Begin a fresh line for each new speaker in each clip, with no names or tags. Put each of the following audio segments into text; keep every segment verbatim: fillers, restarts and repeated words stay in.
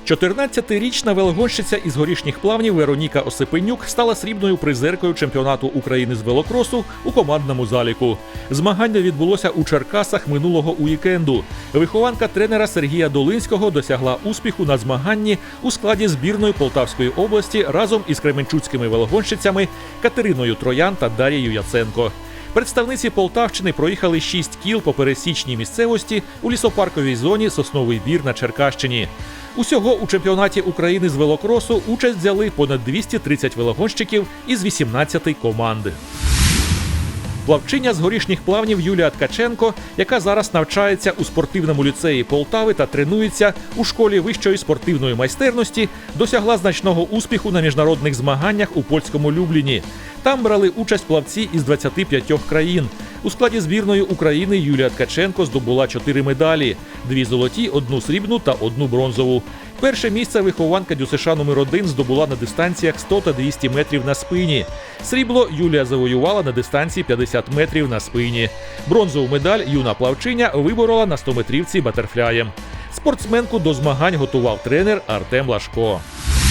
чотирнадцятирічна велогонщиця із Горішніх Плавнів Вероніка Осипенюк стала срібною призеркою чемпіонату України з велокросу у командному заліку. Змагання відбулося у Черкасах минулого уікенду. Вихованка тренера Сергія Долинського досягла успіху на змаганні у складі збірної Полтавської області разом із кременчуцькими велогонщицями Катериною Троян та Дарією Яценко. Представниці Полтавщини проїхали шість кіл по пересічній місцевості у лісопарковій зоні Сосновий Бір на Черкащині. Усього у чемпіонаті України з велокросу участь взяли понад двісті тридцять велогонщиків із вісімнадцяти команд. Плавчиня з Горішніх Плавнів Юлія Ткаченко, яка зараз навчається у спортивному ліцеї Полтави та тренується у школі вищої спортивної майстерності, досягла значного успіху на міжнародних змаганнях у польському Любліні. Там брали участь плавці із двадцяти п'ятьох країн. У складі збірної України Юлія Ткаченко здобула чотири медалі – дві золоті, одну срібну та одну бронзову. Перше місце вихованка ДЮСШ номер один здобула на дистанціях сто та двісті метрів на спині. Срібло Юлія завоювала на дистанції п'ятдесят метрів на спині. Бронзову медаль юна плавчиня виборола на стометрівці батерфляєм. Спортсменку до змагань готував тренер Артем Лашко.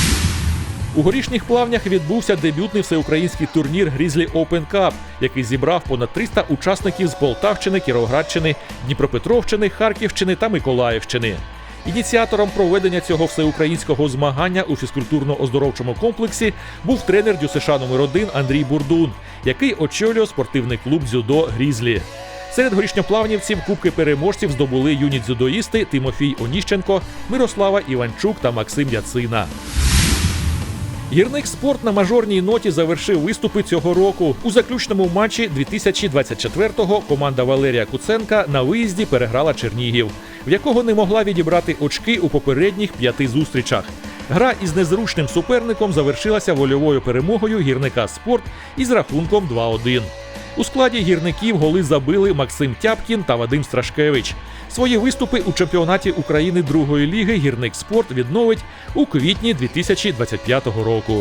У Горішніх Плавнях відбувся дебютний всеукраїнський турнір «Грізлі Open Cup», який зібрав понад триста учасників з Полтавщини, Кіровоградщини, Дніпропетровщини, Харківщини та Миколаївщини. Ініціатором проведення цього всеукраїнського змагання у фізкультурно-оздоровчому комплексі був тренер ДЮСШ номер один Андрій Бурдун, який очолює спортивний клуб дзюдо «Грізлі». Серед горішньоплавнівців кубки переможців здобули юні дзюдоїсти Тимофій Оніщенко, Мирослава Іванчук та Максим Яцина. Гірник «Спорт» на мажорній ноті завершив виступи цього року. У заключному матчі дві тисячі двадцять четвертого команда Валерія Куценка на виїзді переграла Чернігів, в якого не могла відібрати очки у попередніх п'яти зустрічах. Гра із незручним суперником завершилася вольовою перемогою гірника «Спорт» із рахунком два один. У складі гірників голи забили Максим Тяпкін та Вадим Страшкевич. Свої виступи у чемпіонаті України другої ліги гірник «Спорт» відновить у квітні дві тисячі двадцять п'ятого року.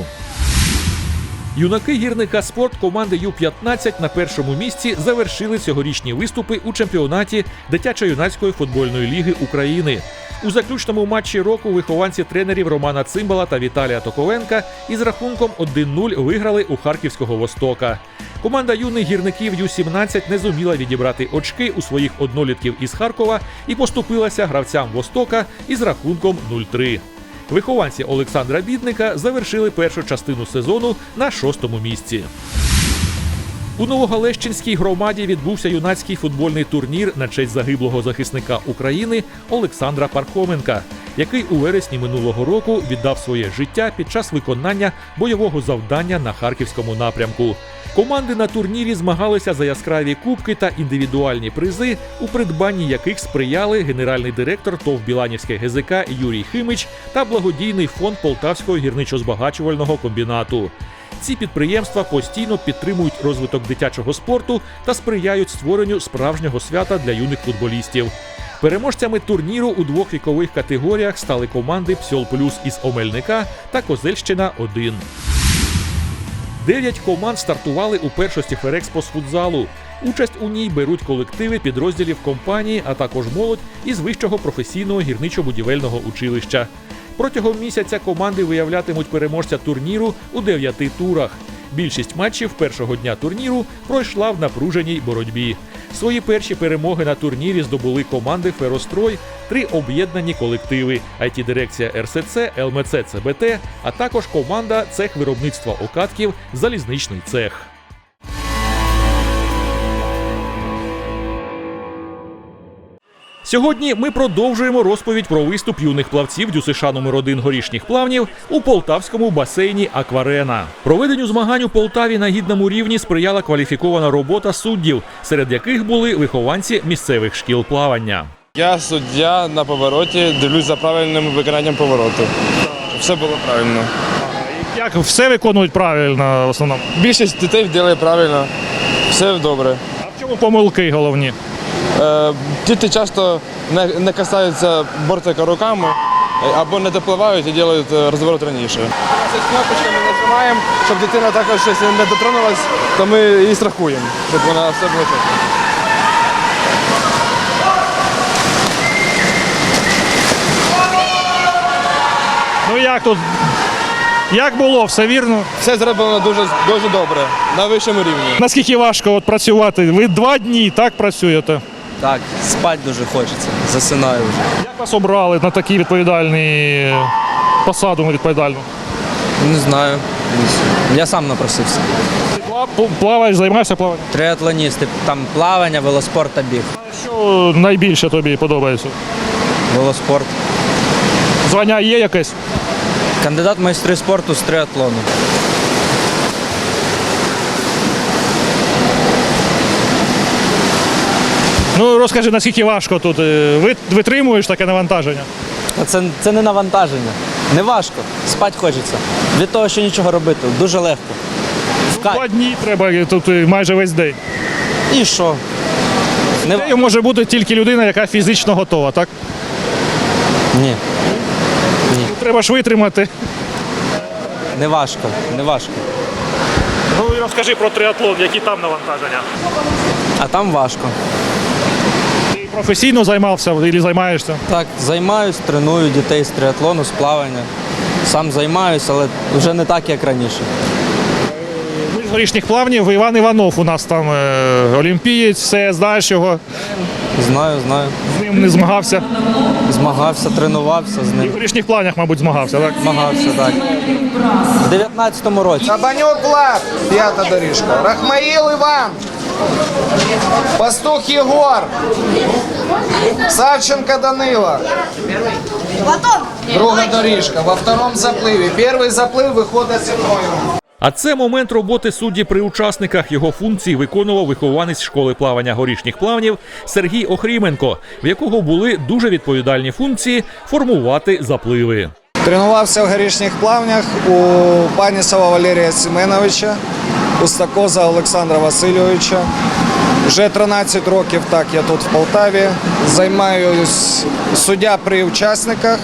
Юнаки гірника «Спорт» команди Ю п'ятнадцять на першому місці завершили цьогорічні виступи у чемпіонаті дитячо-юнацької футбольної ліги України. У заключному матчі року вихованці тренерів Романа Цимбала та Віталія Токовенка із рахунком один нуль виграли у харківського «Востока». Команда юних гірників Ю сімнадцять не зуміла відібрати очки у своїх однолітків із Харкова і поступилася гравцям «Востока» із рахунком нуль три. Вихованці Олександра Бідника завершили першу частину сезону на шостому місці. У Новогалещинській громаді відбувся юнацький футбольний турнір на честь загиблого захисника України Олександра Пархоменка, який у вересні минулого року віддав своє життя під час виконання бойового завдання на Харківському напрямку. Команди на турнірі змагалися за яскраві кубки та індивідуальні призи, у придбанні яких сприяли генеральний директор ТОВ «Біланівське ГЗК» Юрій Химич та благодійний фонд Полтавського гірничо-збагачувального комбінату. Ці підприємства постійно підтримують розвиток дитячого спорту та сприяють створенню справжнього свята для юних футболістів. Переможцями турніру у двох вікових категоріях стали команди «Псьол Плюс» із Омельника та «Козельщина один». Дев'ять команд стартували у першості Ферекспо з футзалу. Участь у ній беруть колективи підрозділів компанії, а також молодь із Вищого професійного гірничо-будівельного училища. Протягом місяця команди виявлятимуть переможця турніру у дев'яти турах. Більшість матчів першого дня турніру пройшла в напруженій боротьбі. Свої перші перемоги на турнірі здобули команди «Ферострой», три об'єднані колективи – ай ті-дирекція ер ес це, ел ем це це бе те, а також команда «Цех виробництва окатків» «Залізничний цех». Сьогодні ми продовжуємо розповідь про виступ юних плавців ДЮСШ номер один Горішніх Плавнів у полтавському басейні «Акварена». Проведенню змагань у Полтаві на гідному рівні сприяла кваліфікована робота суддів, серед яких були вихованці місцевих шкіл плавання.
Я суддя на повороті, дивлюсь за правильним виконанням повороту. Все було правильно.
Як все виконують правильно в основному?
Більшість дітей робить правильно, все добре.
А в чому помилки головні?
Е, діти часто не, не касаються бортика руками або не допливають і роблять розворот раніше. З кнопочками нажимаємо, щоб дитина також щось не дотронулась, то ми її страхуємо, щоб вона все було чесно.
Ну як тут? Як було? Все вірно?
Все зроблено дуже, дуже добре, на вищому рівні.
Наскільки важко от працювати? Ви два дні так працюєте?
Так, спать дуже хочеться, засинаю вже.
Як вас обрали на такі відповідальні посаду відповідальну?
Не знаю. Я сам напросився.
Ти пла- Плаваєш, займаєшся плаванням?
Триатлоністи, там плавання, велоспорт та біг.
Що найбільше тобі подобається?
Велоспорт.
Звання є якесь?
Кандидат в майстри спорту з триатлону.
Ну розкажи, наскільки важко тут? е, Ви витримуєш таке навантаження?
А це, це не навантаження. Не важко. Спать хочеться. Від того, що нічого робити. Дуже легко. В кайф.
Два дні треба тут е, майже весь день.
І що? Не... ва-
Це може бути тільки людина, яка фізично готова, так?
Ні,
Треба ж витримати.
не важко. Не важко.
Ну і розкажи про триатлон, які там навантаження.
А там важко.
Ти професійно займався або займаєшся?
Так, займаюсь, треную дітей з триатлону, з плавання. Сам займаюсь, але вже не так, як раніше.
Ми з горішніх плавнів, Іван Іванов у нас там е, олімпієць, все, знаєш його,
Знаю, знаю.
з ним не змагався.
Змагався, тренувався з
І в
ним.
горішніх плавнях, мабуть, змагався, так?
Змагався, так. В дев'ятнадцятому році.
Кабанюк Влад, п'ята доріжка. Рахмаїл Іван. Пастух Єгор. Савченко Данила. Друга доріжка. Во втором запливі. Перший заплив виходить зимою.
А це момент роботи судді при учасниках. Його функції виконував вихованець школи плавання горішніх плавнів Сергій Охріменко, в якого були дуже відповідальні функції формувати запливи.
Тренувався в горішніх плавнях у Панісова Валерія Семеновича, у Стакоза Олександра Васильовича. Вже тринадцять років так я тут в Полтаві. Займаюсь суддя при учасниках.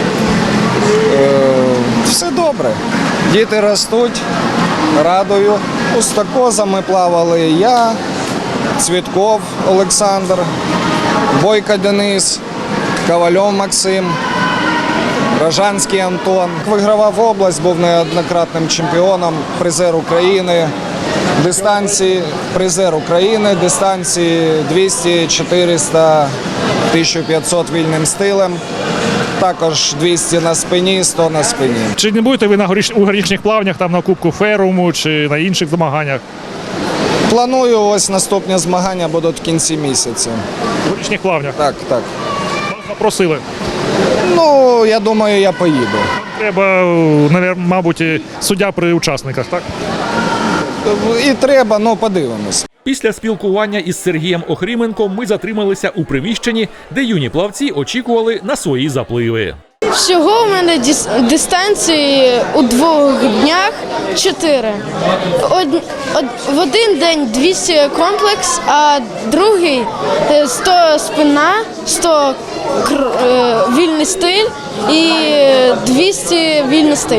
Е, Все добре. Діти ростуть, радую. У Стакоза ми плавали я, Цвітков Олександр, Бойко Денис, Ковальов Максим. Рожанський Антон. Вигравав область, був неоднократним чемпіоном, призер України. Дистанції призер України, дистанції двісті, чотириста, тисяча п'ятсот вільним стилем. Також двісті на спині, сто на спині.
Чи не будете ви на горіш... у горішніх плавнях там на Кубку Феруму чи на інших змаганнях?
Планую, ось наступні змагання будуть в кінці місяця.
У горішніх плавнях?
Так, так.
Вас запросили.
Ну, я думаю, я поїду.
Треба, навер- мабуть, і суддя при учасниках, так?
І треба, ну подивимось.
Після спілкування із Сергієм Охріменком ми затрималися у приміщенні, де юні плавці очікували на свої запливи.
Всього у мене дис- дистанції у двох днях чотири. Од- од- в один день двісті комплекс, а другий е, сто спина, сто кр- е, вільний стиль і двісті вільний стиль.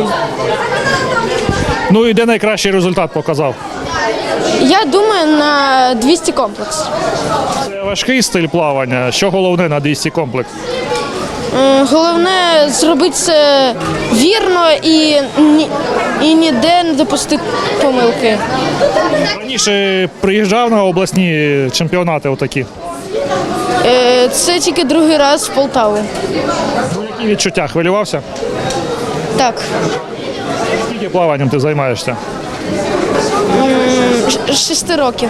Ну і де найкращий результат показав?
Я думаю на двісті комплекс.
Це важкий стиль плавання. Що головне на двісті комплекс?
Е, Головне зробити це вірно і, ні- і ніде не допустити помилки.
Раніше приїжджав на обласні чемпіонати отакі.
Е, Це тільки другий раз в Полтаву.
Ну, які відчуття? Хвилювався?
Так.
Скільки плаванням ти займаєшся?
Ш- Шести років.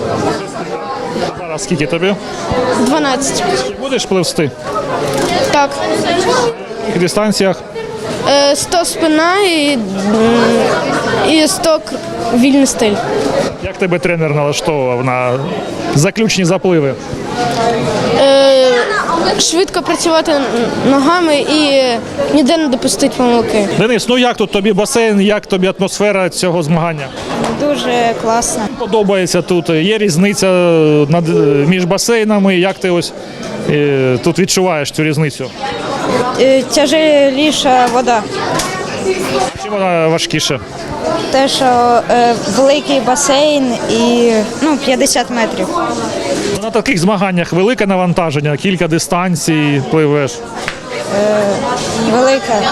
Зараз скільки тобі?
Дванадцять.
Ти будеш пливсти?
Так.
В яких дистанціях?
Е, Сто спина і, м, і сто к- вільний стиль.
Як тебе тренер налаштовував на заключні запливи?
Е, Швидко працювати н- ногами і ніде не допустити помилки.
Денис, ну як тут тобі басейн, як тобі атмосфера цього змагання?
Дуже класно.
Подобається тут. Є різниця над, між басейнами. Як ти ось е, тут відчуваєш цю різницю?
Е, Тяжеліша вода.
Чи вона важкіше?
Те, що е, великий басейн і ну, п'ятдесят метрів.
На таких змаганнях велике навантаження, кілька дистанцій пливеш.
велика.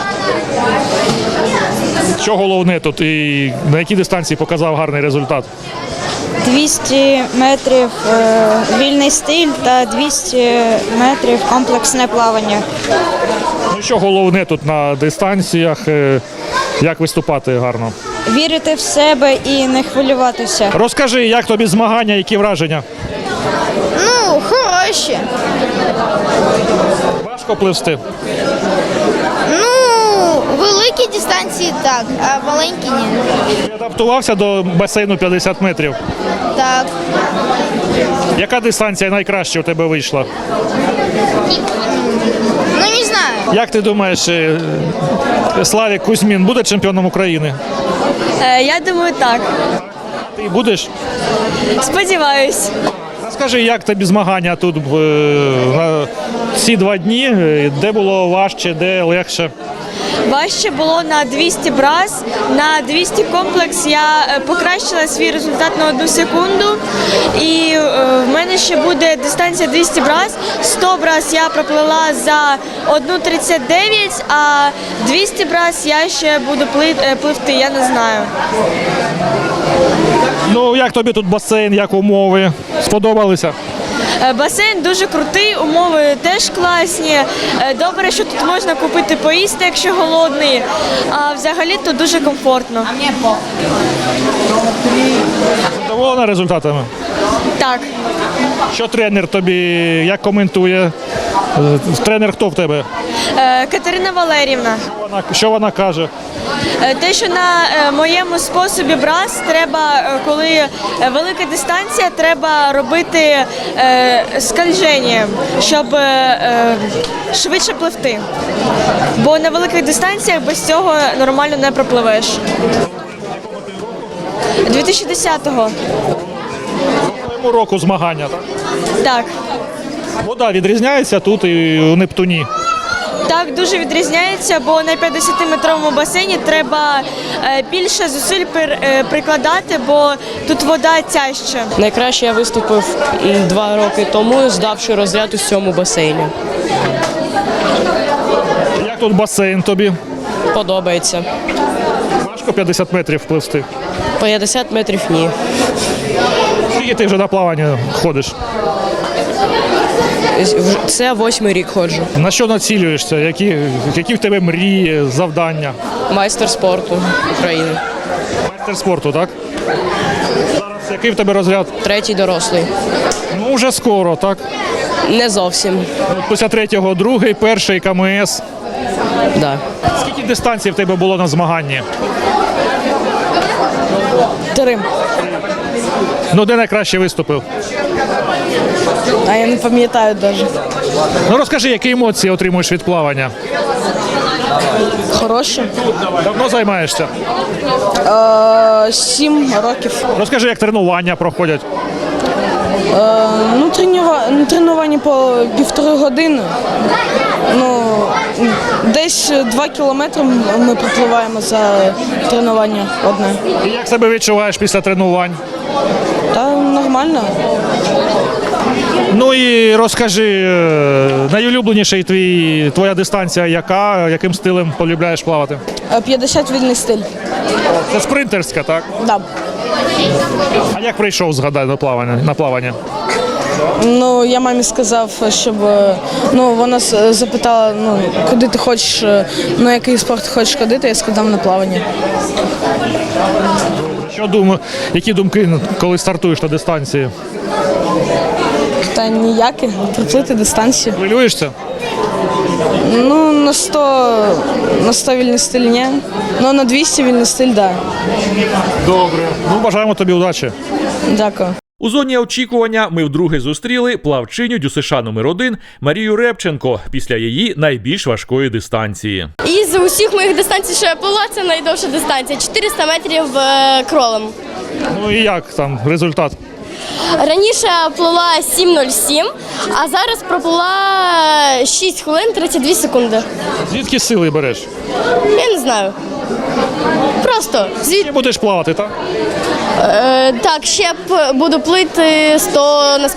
Що головне тут і на якій дистанції показав гарний результат?
двісті метрів е, вільний стиль та двісті метрів комплексне плавання.
Ну що головне тут на дистанціях, е, як виступати гарно?
Вірити в себе і не хвилюватися.
Розкажи, як тобі змагання, які враження?
Ну, хороші.
Важко пливсти?
Ну, великі дистанції так, а маленькі ні.
Ти адаптувався до басейну п'ятдесят метрів.
Так.
Яка дистанція найкраще у тебе вийшла?
Ну, не знаю.
Як ти думаєш, е, Славік Кузьмін буде чемпіоном України?
Е, Я думаю, так.
Ти будеш?
Сподіваюсь.
Розкажи, як тобі змагання тут е, на ці два дні, е, де було важче, де легше?
Важче було на двісті брас, на двісті комплекс я е, покращила свій результат на одну секунду. І е, в мене ще буде дистанція двісті брас. сто брас я проплила за одну тридцять дев'ять, а двісті брас я ще буду пли- е, пливти, я не знаю.
Ну, як тобі тут басейн, як умови? Сподобалися?
Е, Басейн дуже крутий, умови теж класні. Е, Добре, що тут можна купити поїсти, якщо голодний. А взагалі тут дуже комфортно.
Задоволена результатами?
Так.
Що тренер тобі, як коментує? Е, Тренер хто в тебе?
Е, Катерина Валерівна.
Вона, що вона каже?
Е, Те, що на е, моєму способі брас треба, е, коли е, велика дистанція, треба робити е, скольження, щоб е, е, швидше пливти. Бо на великих дистанціях без цього нормально не пропливеш. дві тисячі десятого.
Цього року змагання, так?
Так.
Вода відрізняється тут і у Нептуні.
Так, дуже відрізняється, бо на п'ятдесятиметровому басейні треба е, більше зусиль пер- е, прикладати, бо тут вода тяжча.
Найкраще я виступив м, два роки тому, здавши розряд у цьому басейні.
Як тут басейн тобі?
Подобається.
Важко п'ятдесят метрів пливсти.
п'ятдесят метрів ні.
Скільки ти вже на плавання ходиш?
Вже- Це восьмий рік ходжу.
На що націлюєшся? Які, які в тебе мрії, завдання?
Майстер спорту України.
Майстер спорту, так? Зараз який в тебе розряд?
Третій дорослий.
Ну, вже скоро, так?
Не зовсім.
От Після третього, другий, перший КМС.
Да.
Скільки дистанцій в тебе було на змаганні?
Три.
Ну, де найкраще виступив?
А я не пам'ятаю навіть.
Ну, розкажи, які емоції отримуєш від плавання?
Хороше.
Давно займаєшся?
Сім років.
Розкажи, як тренування проходять.
Ну, тренування по півтори години. Ну, десь два кілометри ми пропливаємо за тренування одне.
І як себе відчуваєш після тренувань?
Та нормально.
Ну і розкажи, е, найулюбленіший твій, твоя дистанція яка? Яким стилем полюбляєш плавати?
п'ятдесят вільний стиль.
Це спринтерська, так?
Да.
А як прийшов, згадай, на плавання? На плавання?
Ну, я мамі сказав, щоб е, ну, вона с- запитала, ну, куди ти хочеш, е, на який спорт ти хочеш ходити, я сказав на плавання.
Що думаю, які думки, коли стартуєш на дистанції?
Та ніякі, приплити дистанцію.
Хвилюєшся?
Ну, на сто, на сто вільний стиль ні. Ну, на двісті вільний стиль, да.
Добре. Ну, бажаємо тобі удачі.
Дякую.
У зоні очікування ми вдруге зустріли плавчиню ДЮСШ номер один Марію Репченко після її найбільш важкої дистанції.
Із усіх моїх дистанцій, що я плила, це найдовша дистанція чотириста метрів е, кролем.
Ну і як там результат?
Раніше я плила сім нуль сім, а зараз проплила шість хвилин тридцять дві секунди.
Звідки сили береш?
Я не знаю. Просто звід...
Ти будеш плавати, так?
е, так, ще п- буду плити сто на спині.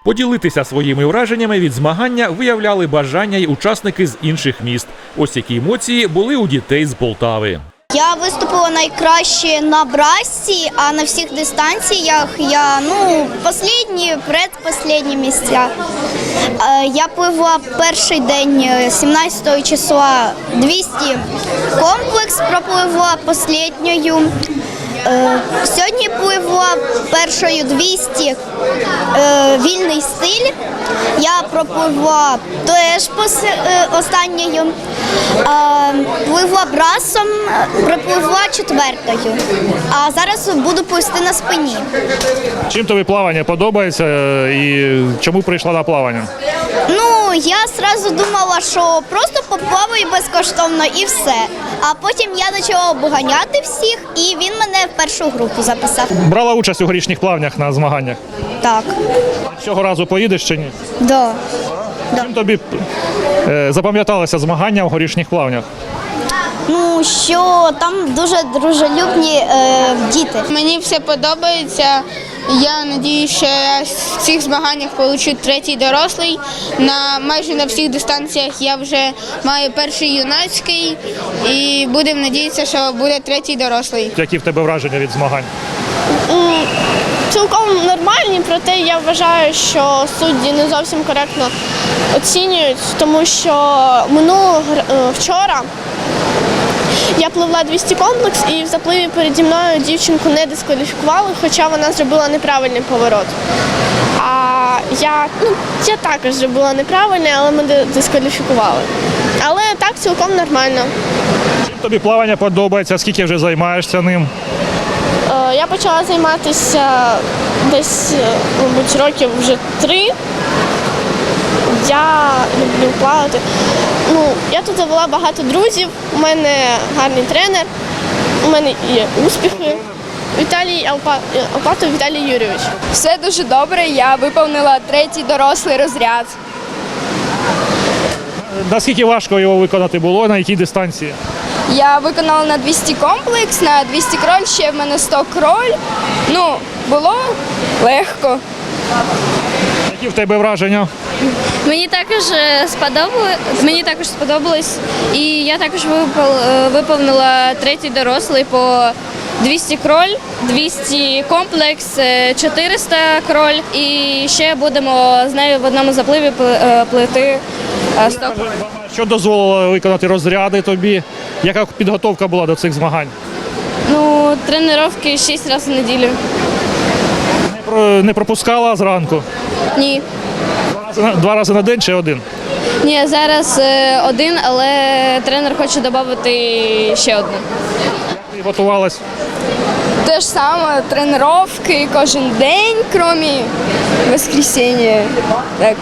Поділитися своїми враженнями від змагання виявляли бажання й учасники з інших міст. Ось які емоції були у дітей з Полтави.
Я виступила найкраще на брасці, а на всіх дистанціях я, ну, останні, предпоследні місця. Е, Я пливла перший день, е, сімнадцятого числа, двісті комплекс пропливла останньою. Е, Сьогодні пливла першою двісті е, вільний стиль. Я пропливла теж пос- е, останньою. Е, Пливла брасом, е, пропливла четвертою. А зараз буду пливти на спині.
Чим тобі плавання подобається і чому прийшла на плавання?
Ну, я одразу думала, що просто поплаваю безкоштовно і все. А потім я почала обганяти всіх, і він мене в першу групу записав.
Брала участь у горішніх плавнях на змаганнях.
Так,
Цього разу поїдеш чи ні?
да.
Чим тобі е, запам'яталося змагання в горішніх плавнях?
Ну, що там дуже дружелюбні е, діти.
Мені все подобається. Я сподіваюся, що я в цих змаганнях получу третій дорослий. На майже на всіх дистанціях я вже маю перший юнацький і будемо сподіватися, що буде третій дорослий.
Які в тебе враження від змагань?
Цілком нормальні, проте я вважаю, що судді не зовсім коректно оцінюють, тому що минулого гр- е, вчора я пливла двісті комплекс і в запливі переді мною дівчинку не дискваліфікували, хоча вона зробила неправильний поворот. А я, ну, я також зробила неправильний, але мене дискваліфікували. Але так цілком нормально.
Чим тобі плавання подобається? Скільки вже займаєшся ним?
Е, Я почала займатися десь, е, мабуть, років вже три. Я люблю плавати. Ну, я тут завела багато друзів, у мене гарний тренер, у мене є успіхи. Віталій Алпа... Алпатов Віталій Юрійович.
Все дуже добре, я виповнила третій дорослий розряд.
Наскільки важко його виконати було, на якій дистанції?
Я виконала на двісті комплекс, на двісті кроль, ще в мене сто кроль. Ну, було легко.
Які в тебе враження?
Мені також е, сподобалось, мені також сподобалось, і я також випол- е, виповнила третій дорослий по двісті кроль, двісті комплекс, е, чотириста кроль, і ще будемо з нею в одному запливі пли- е, плити е, сто кроль.
Що дозволило виконати розряди тобі? Яка підготовка була до цих змагань?
Ну, тренування шість разів в неділю.
Не, про- не пропускала зранку?
Ні.
Два рази на- Два рази на день чи один?
Ні, зараз е, один, але тренер хоче додати ще одну.
Ти готувалась?
Те ж саме, тренування кожен день, крім воскресіння. Так.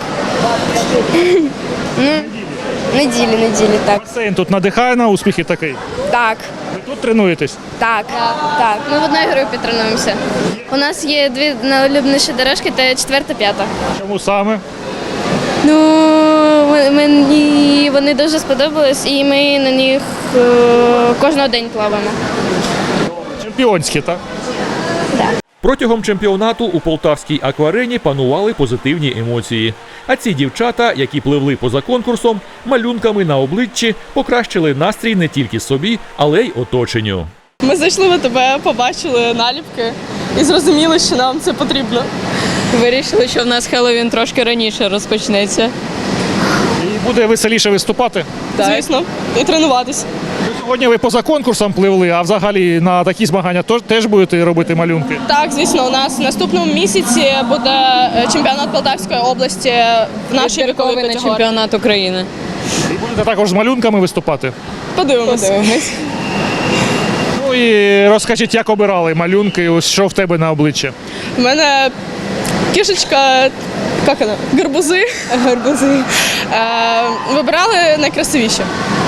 Ну, неділі, неділі, так.
Басейн тут надихає на успіхи такий?
Так,
Ви тут тренуєтесь?
так, так.
Ми в одній групі тренуємося. У нас є дві найулюбленіші дорожки, це четверта, п'ята.
Чому саме?
Ну, ми- мені вони дуже сподобались, і ми на них е, кожного день плаваємо.
Чемпіонські, так?
Протягом чемпіонату у полтавській акварені панували позитивні емоції. А ці дівчата, які пливли поза конкурсом, малюнками на обличчі покращили настрій не тільки собі, але й оточенню.
Ми зайшли в АТБ, побачили наліпки і зрозуміли, що нам це потрібно.
Вирішили, що в нас Хеллоуін трошки раніше розпочнеться.
І буде веселіше виступати?
Звісно, і тренуватись.
Сьогодні ви поза конкурсом пливли, а взагалі на такі змагання тож- теж будете робити малюнки?
Так, звісно, у нас в наступному місяці буде е, чемпіонат Полтавської області в нашій віковій категорії.
чемпіонат України.
І будете також з малюнками виступати?
Подивимось.
Ну і розкажіть, як обирали малюнки, ось що в тебе на обличчі?
У мене кішечка, як вона? Гарбузи. Гарбузи. Е, вибирали найкрасивіші.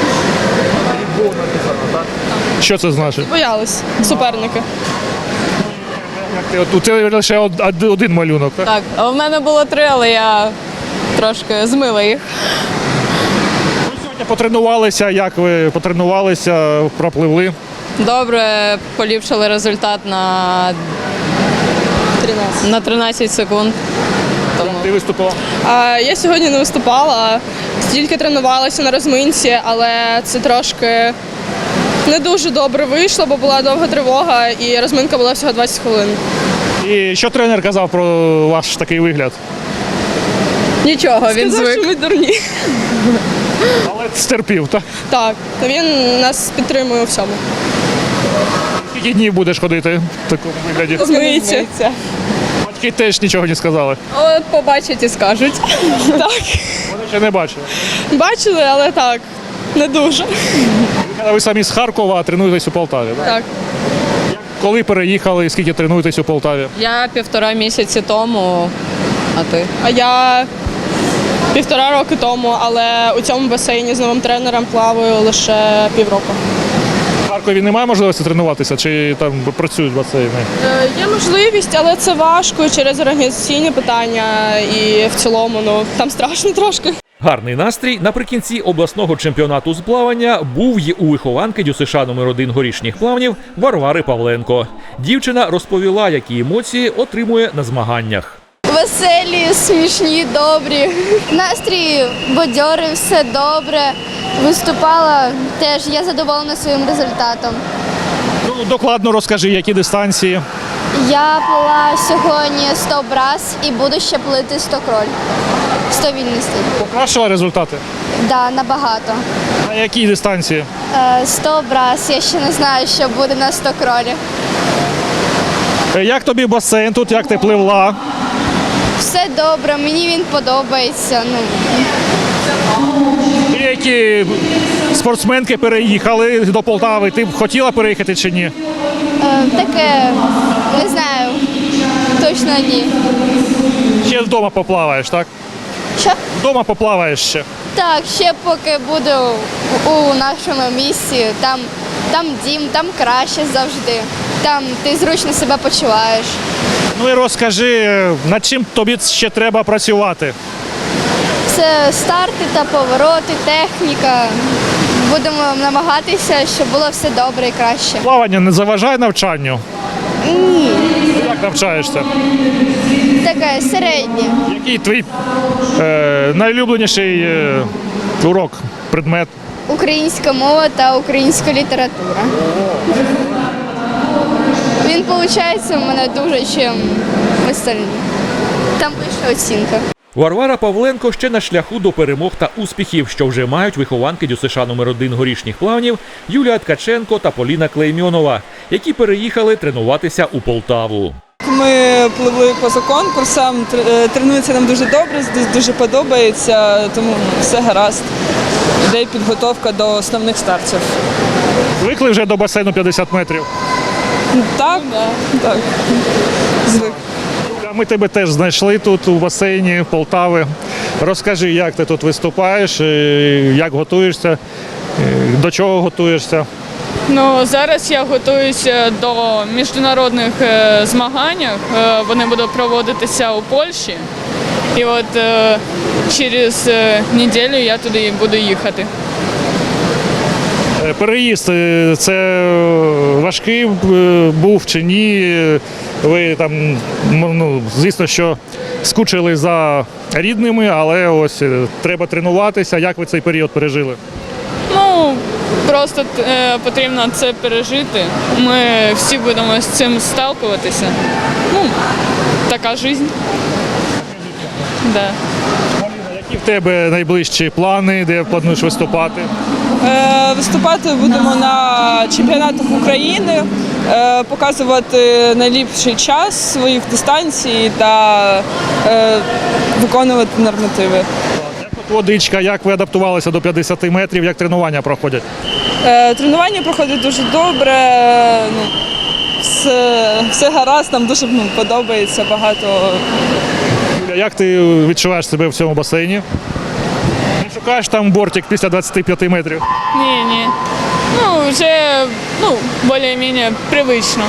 Що це значить?
Боялись суперники.
Як ти, от, у тебе лише од- од- один малюнок, так?
Так, а в мене було три, але я трошки змила їх.
Ви сьогодні потренувалися, як ви потренувалися, пропливли?
Добре, поліпшили результат на
тринадцять.
на тринадцять секунд.
Тому...
Ти виступила?
А, я сьогодні не виступала, тільки тренувалася на розминці, але це трошки не дуже добре вийшло, бо була довга тривога і розминка була всього двадцять хвилин.
І що тренер казав про ваш такий вигляд?
Нічого, він звик. Сказав, що ми дурні.
Але стерпів, так?
Так, він нас підтримує у всьому.
Скільки днів будеш ходити в такому вигляді?
Змиється.
Батьки теж нічого не сказали.
От побачать і скажуть. Так.
Вони ще не бачили.
Бачили, але так, не дуже.
Ви самі з Харкова, а тренуєтесь у Полтаві, так?
Так.
Коли переїхали, скільки тренуєтесь у Полтаві?
Я півтора місяці тому, а ти?
А я півтора роки тому, але у цьому басейні з новим тренером плаваю лише півроку.
В Харкові немає можливості тренуватися, чи там працюють басейни?
Е, є можливість, але це важко через організаційні питання і в цілому, ну, там страшно трошки.
Гарний настрій наприкінці обласного чемпіонату з плавання був й у вихованки ДЮСШ номер один горішніх плавнів Варвари Павленко. Дівчина розповіла, які емоції отримує на змаганнях.
Веселі, смішні, добрі. Настрій бадьорий, все добре. Виступала теж, я задоволена своїм результатом.
Ну, докладно розкажи, які дистанції.
Я плила сьогодні сто брас і буду ще плити сто кроль. сто вільний стиль.
Покращила результати?
Да, набагато.
На якій дистанції?
Е, сто брас, я ще не знаю, що буде на сто кролі.
Е, Як тобі басейн тут, як ти пливла?
Все добре, мені він подобається. Ну,
Деякі спортсменки переїхали до Полтави. Ти б хотіла переїхати чи ні?
е, таке, не знаю, точно ні.
Ще вдома поплаваєш, так?
Що?
Вдома поплаваєш ще.
Так, ще поки буду у нашому місці, там, там дім, там краще завжди. Там ти зручно себе почуваєш.
Ну і розкажи, над чим тобі ще треба працювати?
Це старти та повороти, техніка. Будемо намагатися, щоб було все добре і краще.
Плавання не заважає навчанню?
Ні,
Як навчаєшся?
таке середнє.
Який твій е, найулюбленіший е, урок, предмет?
Українська мова та українська література. Він виходить у мене дуже чим остальні. Там вища оцінка.
Варвара Павленко ще на шляху до перемог та успіхів, що вже мають вихованки ДЮСШ номер один горішніх плавнів Юлія Ткаченко та Поліна Клеймьонова, які переїхали тренуватися у Полтаву.
Ми пливли поза конкурсом, тренується нам дуже добре, дуже подобається, тому все гаразд. Іде підготовка до основних стартів.
Звикли вже до басейну п'ятдесят метрів?
Так, так, звик.
Ми тебе теж знайшли тут у басейні Полтави. Розкажи, як ти тут виступаєш, як готуєшся, до чого готуєшся?
Ну, зараз я готуюся до міжнародних е, змагань. Е, вони будуть проводитися у Польщі. І от е, через е, неділю я туди буду їхати.
Переїзд – це важкий був чи ні? Ви там, ну, звісно, що скучили за рідними, але ось треба тренуватися. Як ви цей період пережили?
Ну, просто е, потрібно це пережити. Ми всі будемо з цим сталкуватися. Ну, така життя. Да.
Які в тебе найближчі плани, де плануєш виступати?
Е, виступати будемо на чемпіонатах України, е, показувати найліпший час своїх дистанцій та е, виконувати нормативи.
Як тут водичка, як ви адаптувалися до п'ятдесят метрів, як тренування проходять?
Е, тренування проходить дуже добре, ну, все, все гаразд, нам дуже, ну, подобається багато.
Юля, як ти відчуваєш себе в цьому басейні? Не шукаєш там бортик після двадцяти п'яти метрів?
Ні, ні. Ну, вже ну, більш-менш привично.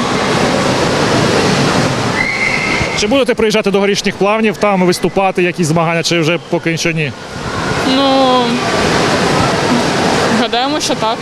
Чи будете приїжджати до горішніх плавнів, там виступати, якісь змагання, чи вже поки що ні?
Ну, гадаємо, що так.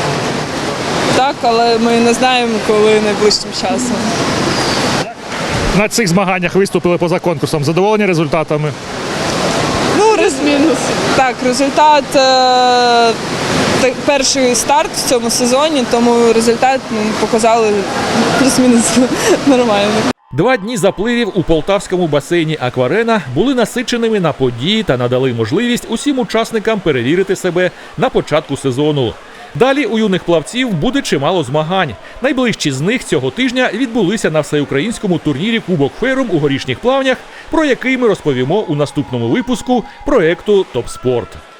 Так, але ми не знаємо, коли найближчим часом.
на цих змаганнях виступили поза конкурсом. Задоволені результатами?
Ну, мінус. Так, результат е, так, перший старт в цьому сезоні, тому результат ну, показали плюс-мінус нормально.
Два дні запливів у полтавському басейні «Акварена» були насиченими на події та надали можливість усім учасникам перевірити себе на початку сезону. Далі у юних плавців буде чимало змагань. Найближчі з них цього тижня відбулися на всеукраїнському турнірі «Кубок Ферум» у горішніх плавнях, про який ми розповімо у наступному випуску проекту «Топ Спорт».